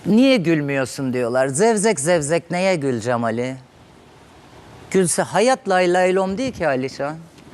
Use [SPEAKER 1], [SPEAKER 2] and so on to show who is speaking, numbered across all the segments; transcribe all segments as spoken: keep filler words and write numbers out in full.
[SPEAKER 1] Niye gülmüyorsun diyorlar. Zevzek zevzek neye güleceğim Ali? Gülse hayat lay lay lom değil ki Alişan.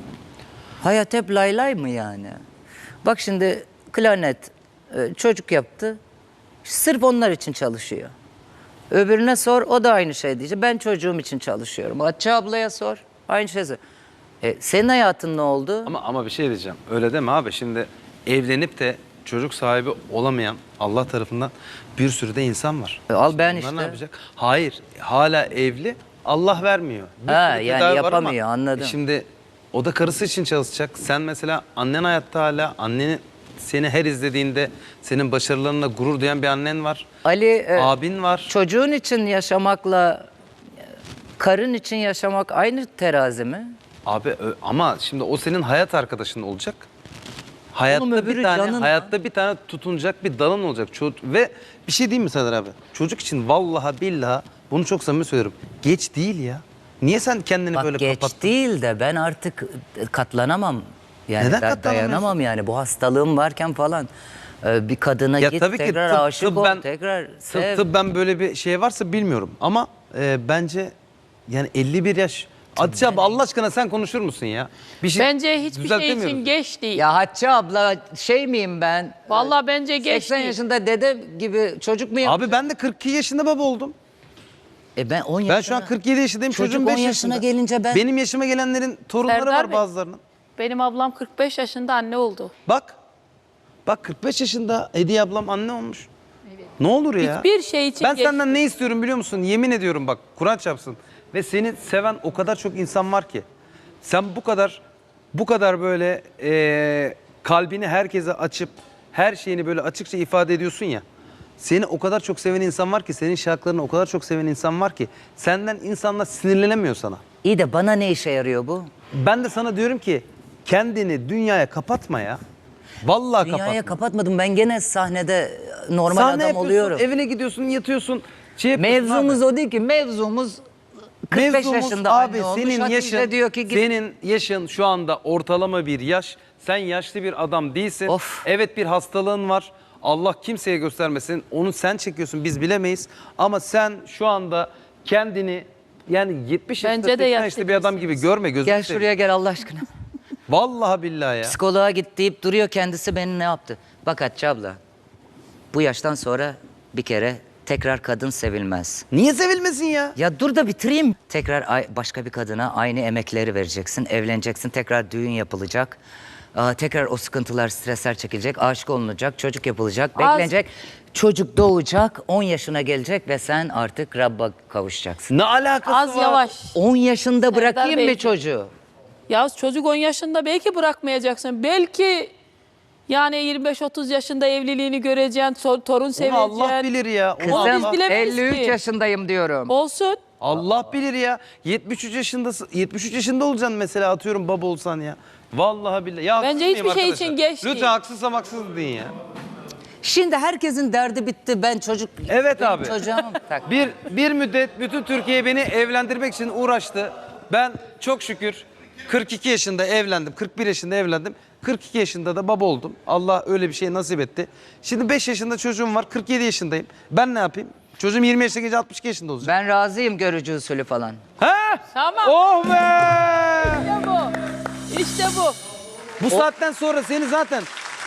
[SPEAKER 1] Hayat hep lay lay mı yani? Bak şimdi klarnet e, çocuk yaptı. Sırf onlar için çalışıyor. Öbürüne sor, o da aynı şey diyecek. Ben çocuğum için çalışıyorum. Hatice ablaya sor, aynı şey sor. E, senin hayatın ne oldu?
[SPEAKER 2] Ama ama bir şey diyeceğim. Öyle deme abi. Şimdi evlenip de çocuk sahibi olamayan Allah tarafından bir sürü de insan var.
[SPEAKER 1] E, al
[SPEAKER 2] Şimdi
[SPEAKER 1] ben
[SPEAKER 2] bunlar
[SPEAKER 1] işte.
[SPEAKER 2] ne yapacak? Hayır. Hala evli. Allah vermiyor. Bir
[SPEAKER 1] Ha,
[SPEAKER 2] sürü
[SPEAKER 1] yani
[SPEAKER 2] tedavi var ama
[SPEAKER 1] yapamıyor, anladım.
[SPEAKER 2] Şimdi o da karısı için çalışacak. Sen mesela annen hayatta hala. Annenin seni her izlediğinde senin başarılarına gurur duyan bir annen var.
[SPEAKER 1] Ali, e,
[SPEAKER 2] Abin var.
[SPEAKER 1] çocuğun için yaşamakla e, karın için yaşamak aynı terazi mi?
[SPEAKER 2] Abi ö- ama şimdi o senin hayat arkadaşın olacak. Hayatta
[SPEAKER 1] öbürü
[SPEAKER 2] bir tane
[SPEAKER 1] canın
[SPEAKER 2] hayatta bir tane tutunacak bir dalın olacak. Ço- ve bir şey diyeyim mi Serdar abi? Çocuk için vallahi billahi bunu çok samimi söylüyorum. Geç değil ya. Niye sen kendini
[SPEAKER 1] Bak
[SPEAKER 2] böyle
[SPEAKER 1] geç
[SPEAKER 2] kapattın?
[SPEAKER 1] değil de ben artık katlanamam. Yani
[SPEAKER 2] Neden
[SPEAKER 1] ben
[SPEAKER 2] katlanamıyorsun?
[SPEAKER 1] dayanamam yani bu hastalığım varken falan. Ee, bir kadına
[SPEAKER 2] Ya
[SPEAKER 1] git
[SPEAKER 2] tabii ki
[SPEAKER 1] tekrar
[SPEAKER 2] tıp-
[SPEAKER 1] aşık ol,
[SPEAKER 2] tıbben-
[SPEAKER 1] tekrar sev.
[SPEAKER 2] Tıp, tıbben böyle bir şey varsa bilmiyorum. Ama e, bence yani elli bir yaş. Hatice abi Allah aşkına sen konuşur musun ya? Bir şey
[SPEAKER 3] Bence hiçbir şey
[SPEAKER 2] düzeltemiyoruz.
[SPEAKER 3] için geç değil.
[SPEAKER 1] Ya Hatice abla şey miyim ben?
[SPEAKER 3] Vallahi bence geç
[SPEAKER 1] seksen
[SPEAKER 3] değil.
[SPEAKER 1] yaşında dede gibi çocuk muyum?
[SPEAKER 2] Abi ben de kırk iki yaşında baba oldum.
[SPEAKER 1] E ben on yaşına.
[SPEAKER 2] Ben şu an kırk yedi yaşındayım.
[SPEAKER 1] Çocuk
[SPEAKER 2] Çocuğum
[SPEAKER 1] on
[SPEAKER 2] beş
[SPEAKER 1] yaşına
[SPEAKER 2] yaşında.
[SPEAKER 1] gelince ben-
[SPEAKER 2] Benim yaşıma gelenlerin torunları
[SPEAKER 3] Serdar
[SPEAKER 2] var
[SPEAKER 3] Bey.
[SPEAKER 2] bazılarının.
[SPEAKER 3] Benim ablam kırk beş yaşında anne oldu.
[SPEAKER 2] Bak. Bak kırk beş yaşında Hediye ablam anne olmuş. Ne olur ya.
[SPEAKER 3] Hiçbir şey için
[SPEAKER 2] Ben
[SPEAKER 3] geç
[SPEAKER 2] senden ne istiyorum biliyor musun? Yemin ediyorum bak Kur'an çarpsın. Ve seni seven o kadar çok insan var ki. Sen bu kadar bu kadar böyle eee, kalbini herkese açıp her şeyini böyle açıkça ifade ediyorsun ya. Seni o kadar çok seven insan var ki, senin şarkılarını o kadar çok seven insan var ki senden insanlar sinirlenemiyor sana.
[SPEAKER 1] İyi de bana ne işe yarıyor bu?
[SPEAKER 2] Ben de sana diyorum ki kendini dünyaya kapatma ya. Vallahi
[SPEAKER 1] Dünyaya
[SPEAKER 2] kapatma.
[SPEAKER 1] kapatmadım. Ben gene sahnede normal
[SPEAKER 2] Sahne
[SPEAKER 1] adam
[SPEAKER 2] yapıyorsun,
[SPEAKER 1] oluyorum.
[SPEAKER 2] evine gidiyorsun, yatıyorsun. Şey yapıyorsun
[SPEAKER 1] Mevzumuz
[SPEAKER 2] abi.
[SPEAKER 1] o değil ki. Mevzumuz kırk beş
[SPEAKER 2] Mevzumuz
[SPEAKER 1] yaşında
[SPEAKER 2] abi
[SPEAKER 1] anne olmuş.
[SPEAKER 2] senin
[SPEAKER 1] Hatice
[SPEAKER 2] yaşın,
[SPEAKER 1] diyor ki git.
[SPEAKER 2] senin yaşın şu anda ortalama bir yaş. Sen yaşlı bir adam değilsin.
[SPEAKER 1] Of.
[SPEAKER 2] Evet bir hastalığın var. Allah kimseye göstermesin. Onu sen çekiyorsun biz bilemeyiz. Ama sen şu anda kendini yani yetmiş yaşında
[SPEAKER 3] Bence de
[SPEAKER 2] seksen
[SPEAKER 3] yaşlı
[SPEAKER 2] yaşında bir adam gibi görme gözünü
[SPEAKER 1] Gel
[SPEAKER 2] seveyim.
[SPEAKER 1] şuraya gel Allah aşkına.
[SPEAKER 2] Vallahi billahi ya.
[SPEAKER 1] Psikoloğa git deyip duruyor kendisi beni ne yaptı? Bak Hatice abla bu yaştan sonra bir kere tekrar kadın sevilmez.
[SPEAKER 2] Niye sevilmesin ya?
[SPEAKER 1] Ya dur da bitireyim. Tekrar ay- başka bir kadına aynı emekleri vereceksin. Evleneceksin. Tekrar düğün yapılacak. Aa, tekrar o sıkıntılar, stresler çekilecek. Aşık olunacak. Çocuk yapılacak.
[SPEAKER 3] Az-
[SPEAKER 1] Beklenecek. Çocuk doğacak. on yaşına gelecek ve sen artık Rabb'a kavuşacaksın.
[SPEAKER 2] Ne alakası
[SPEAKER 3] Az
[SPEAKER 2] var?
[SPEAKER 3] yavaş.
[SPEAKER 1] on yaşında bırakayım mı
[SPEAKER 3] Bey.
[SPEAKER 1] çocuğu?
[SPEAKER 3] Ya çocuk on yaşında belki bırakmayacaksın. Belki yani yirmi beş otuz yaşında evliliğini göreceksin, so- torun
[SPEAKER 2] Onu
[SPEAKER 3] seveceksin.
[SPEAKER 2] Allah bilir ya. Onu
[SPEAKER 3] Onu biz
[SPEAKER 2] Allah,
[SPEAKER 3] bilemeyiz
[SPEAKER 1] elli üç
[SPEAKER 3] ki.
[SPEAKER 1] yaşındayım diyorum.
[SPEAKER 3] Olsun.
[SPEAKER 2] Allah bilir ya. yetmiş üç yaşındasın. yetmiş üç yaşında olacaksın mesela atıyorum baba olsan ya. Vallahi billahi. Ya haksız
[SPEAKER 3] Bence
[SPEAKER 2] mıyım
[SPEAKER 3] hiçbir şey
[SPEAKER 2] arkadaşlar?
[SPEAKER 3] için geç değil.
[SPEAKER 2] Lütfen haksızsam haksız deyin ya.
[SPEAKER 1] Şimdi herkesin derdi bitti. Ben çocuk...
[SPEAKER 2] Evet
[SPEAKER 1] benim
[SPEAKER 2] abi.
[SPEAKER 1] Çocuğum... Tak.
[SPEAKER 2] Bir, bir müddet bütün Türkiye beni evlendirmek için uğraştı. Ben çok şükür kırk iki yaşında evlendim. kırk bir yaşında evlendim. kırk iki yaşında da baba oldum. Allah öyle bir şey nasip etti. Şimdi beş yaşında çocuğum var. kırk yedi yaşındayım. Ben ne yapayım? Çocuğum yirmi yaşına gelince altmış iki yaşında olacak.
[SPEAKER 1] Ben razıyım görücü usulü falan.
[SPEAKER 2] Ha?
[SPEAKER 3] Tamam.
[SPEAKER 2] Oh be!
[SPEAKER 3] İşte bu. İşte bu.
[SPEAKER 2] Bu saatten sonra seni zaten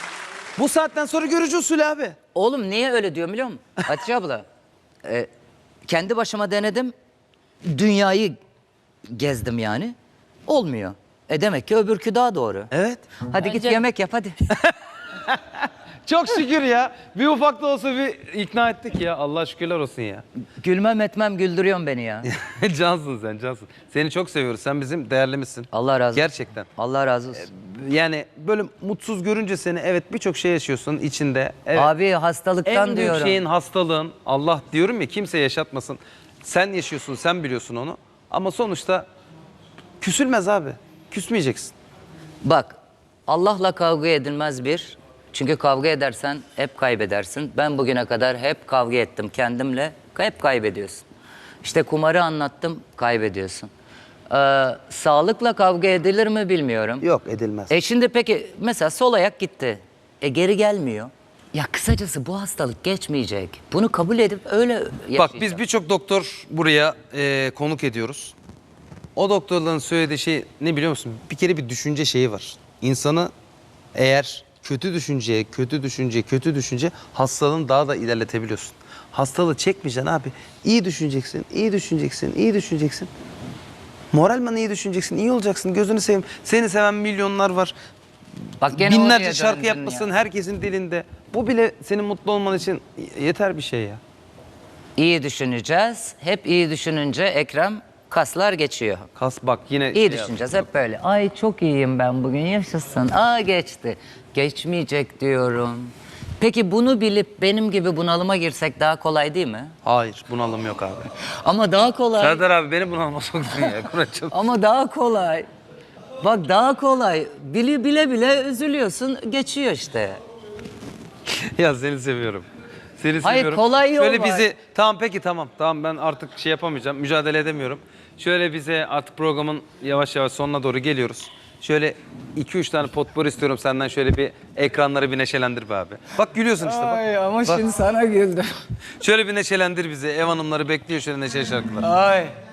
[SPEAKER 2] bu saatten sonra görücü usulü abi.
[SPEAKER 1] Oğlum niye öyle diyorum biliyor musun? Hatice abla, e, kendi başıma denedim. Dünyayı gezdim yani. Olmuyor. E demek ki öbürkü daha doğru.
[SPEAKER 2] Evet.
[SPEAKER 1] Hadi git
[SPEAKER 3] Bence-
[SPEAKER 1] yemek yap hadi.
[SPEAKER 2] Çok şükür ya. Bir ufak da olsa bir ikna ettik ya. Allah şükürler olsun ya.
[SPEAKER 1] Gülmem etmem güldürüyorsun beni ya.
[SPEAKER 2] Cansın sen cansın. Seni çok seviyoruz. Sen bizim değerlimizsin.
[SPEAKER 1] Allah razı olsun.
[SPEAKER 2] Gerçekten.
[SPEAKER 1] Allah razı olsun.
[SPEAKER 2] Yani böyle mutsuz görünce seni evet birçok şey yaşıyorsun içinde. Evet.
[SPEAKER 1] Abi hastalıktan
[SPEAKER 2] en büyük
[SPEAKER 1] diyorum.
[SPEAKER 2] şeyin hastalığın. Allah diyorum ya kimse yaşatmasın. Sen yaşıyorsun, sen biliyorsun onu. Ama sonuçta küsülmez abi. Küsmeyeceksin.
[SPEAKER 1] Bak Allah'la kavga edilmez bir. Çünkü kavga edersen hep kaybedersin. Ben bugüne kadar hep kavga ettim kendimle. Hep kaybediyorsun. İşte kumarı anlattım, kaybediyorsun. Ee, sağlıkla kavga edilir mi bilmiyorum.
[SPEAKER 2] Yok edilmez.
[SPEAKER 1] E şimdi peki mesela sol ayak gitti. E geri gelmiyor. Ya kısacası bu hastalık geçmeyecek. Bunu kabul edip öyle yaşayacağız.
[SPEAKER 2] Bak biz birçok doktor buraya e, konuk ediyoruz. O doktorların söylediği şey ne biliyor musun? Bir kere bir düşünce şeyi var. İnsanı eğer kötü düşünceye, kötü düşünce, kötü düşünce hastalığını daha da ilerletebiliyorsun. Hastalığı çekmeyeceksin abi. İyi düşüneceksin, iyi düşüneceksin, iyi düşüneceksin. Moralman iyi düşüneceksin, iyi olacaksın. Gözünü seveyim. Seni seven milyonlar var.
[SPEAKER 1] Bak gene
[SPEAKER 2] Binlerce
[SPEAKER 1] oraya
[SPEAKER 2] şarkı
[SPEAKER 1] döndün
[SPEAKER 2] yapmışsın
[SPEAKER 1] ya.
[SPEAKER 2] herkesin dilinde. Bu bile senin mutlu olman için yeter bir şey ya.
[SPEAKER 1] İyi düşüneceğiz. Hep iyi düşününce Ekrem kaslar geçiyor.
[SPEAKER 2] Kas bak yine
[SPEAKER 1] İyi
[SPEAKER 2] şey
[SPEAKER 1] düşüneceğiz hep böyle. Ay çok iyiyim ben bugün yaşasın. Aa geçti. Geçmeyecek diyorum. Peki bunu bilip benim gibi bunalıma girsek daha kolay değil mi?
[SPEAKER 2] Hayır bunalım yok abi.
[SPEAKER 1] Ama daha kolay.
[SPEAKER 2] Serdar abi beni bunalıma soktun ya. Kur'an
[SPEAKER 1] Ama daha kolay. Bak daha kolay. Bile bile bile üzülüyorsun. Geçiyor işte.
[SPEAKER 2] Ya seni seviyorum. Seni
[SPEAKER 1] Hayır,
[SPEAKER 2] seviyorum.
[SPEAKER 1] kolay yol
[SPEAKER 2] Şöyle
[SPEAKER 1] var.
[SPEAKER 2] bizi tamam peki tamam. Tamam ben artık şey yapamayacağım. Mücadele edemiyorum. Şöyle bize artık programın yavaş yavaş sonuna doğru geliyoruz. Şöyle iki üç tane potpourri istiyorum senden, şöyle bir ekranları bir neşelendir be abi. Bak gülüyorsun işte bak.
[SPEAKER 1] Ay ama
[SPEAKER 2] Bak.
[SPEAKER 1] şimdi sana güldüm.
[SPEAKER 2] Şöyle bir neşelendir bizi. Ev hanımları bekliyor şöyle neşeli şarkılar.
[SPEAKER 1] Ay.